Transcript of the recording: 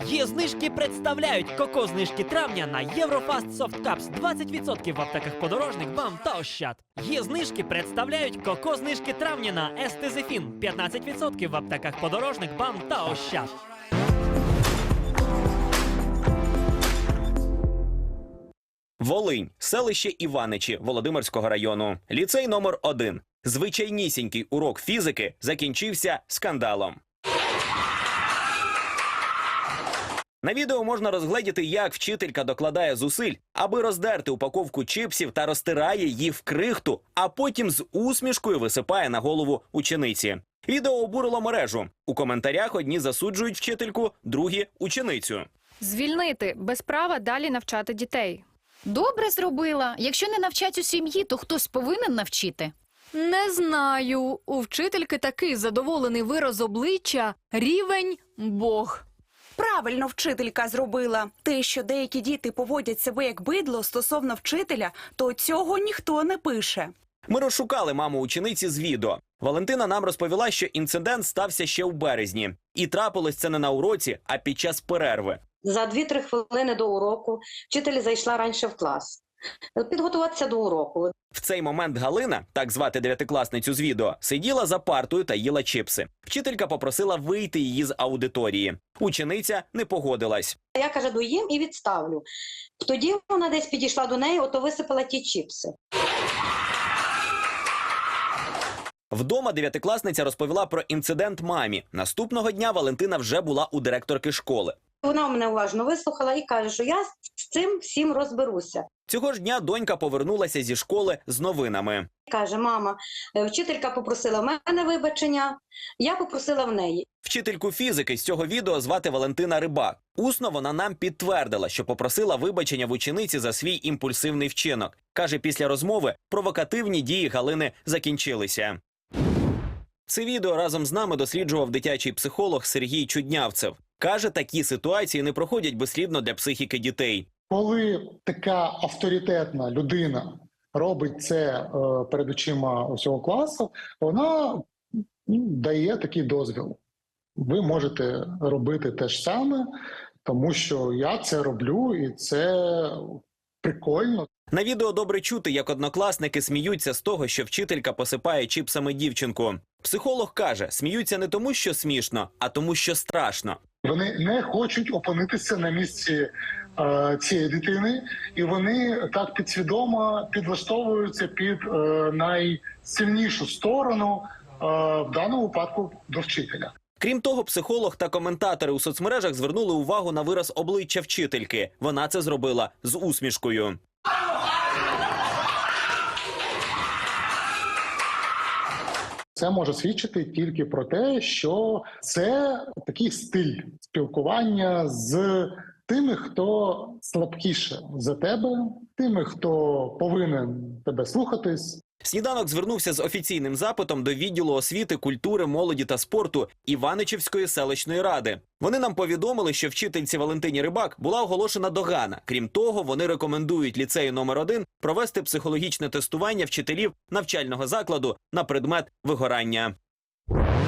Є знижки представляють коко-знижки травня на Єврофаст Soft Cups 20% в аптеках Подорожник, БАМ та Ощад. Є знижки представляють коко-знижки травня на Естезефін 15% в аптеках Подорожник, БАМ та Ощад. Волинь, селище Іваничі Володимирського району. Ліцей номер 1. Звичайнісінький урок фізики закінчився скандалом. На відео можна розгледіти, як вчителька докладає зусиль, аби роздерти упаковку чипсів та розтирає її в крихту, а потім з усмішкою висипає на голову учениці. Відео обурило мережу. У коментарях одні засуджують вчительку, другі – ученицю. Звільнити, без права далі навчати дітей. Добре зробила. Якщо не навчать у сім'ї, то хтось повинен навчити. Не знаю. У вчительки такий задоволений вираз обличчя – рівень Бог. Правильно вчителька зробила. Те, що деякі діти поводять себе як бидло стосовно вчителя, то цього ніхто не пише. Ми розшукали маму учениці з відео. Валентина нам розповіла, що інцидент стався ще у березні. І трапилось це не на уроці, а під час перерви. За 2-3 хвилини до уроку вчитель зайшла раніше в клас. Підготуватися до уроку. В цей момент Галина, так звати 9-класницю з відео, сиділа за партою та їла чипси. Вчителька попросила вийти її з аудиторії. Учениця не погодилась. Я, каже, доїм і відставлю. Тоді вона десь підійшла до неї, ото висипала ті чіпси. Вдома 9-класниця розповіла про інцидент мамі. Наступного дня Валентина вже була у директорки школи. Вона мене уважно вислухала і каже, що я з цим всім розберуся. Цього ж дня донька повернулася зі школи з новинами. Каже, мама, вчителька попросила в мене вибачення, я попросила в неї. Вчительку фізики з цього відео звати Валентина Рибак. Усно вона нам підтвердила, що попросила вибачення в учениці за свій імпульсивний вчинок. Каже, після розмови провокативні дії Галини закінчилися. Це відео разом з нами досліджував дитячий психолог Сергій Чуднявцев. Каже, такі ситуації не проходять безслідно для психіки дітей. Коли така авторитетна людина робить це перед очима усього класу, вона дає такий дозвіл. Ви можете робити те ж саме, тому що я це роблю і це прикольно. На відео добре чути, як однокласники сміються з того, що вчителька посипає чіпсами дівчинку. Психолог каже, сміються не тому, що смішно, а тому, що страшно. Вони не хочуть опинитися на місці цієї дитини, і вони так підсвідомо підлаштовуються під найсильнішу сторону, в даному випадку до вчителя. Крім того, психолог та коментатори у соцмережах звернули увагу на вираз обличчя вчительки. Вона це зробила з усмішкою. Це може свідчити тільки про те, що це такий стиль спілкування з тими, хто слабкіше за тебе, тими, хто повинен тебе слухатись. Сніданок звернувся з офіційним запитом до відділу освіти, культури, молоді та спорту Іваничівської селищної ради. Вони нам повідомили, що вчительці Валентині Рибак була оголошена догана. Крім того, вони рекомендують ліцею номер 1 провести психологічне тестування вчителів навчального закладу на предмет вигорання.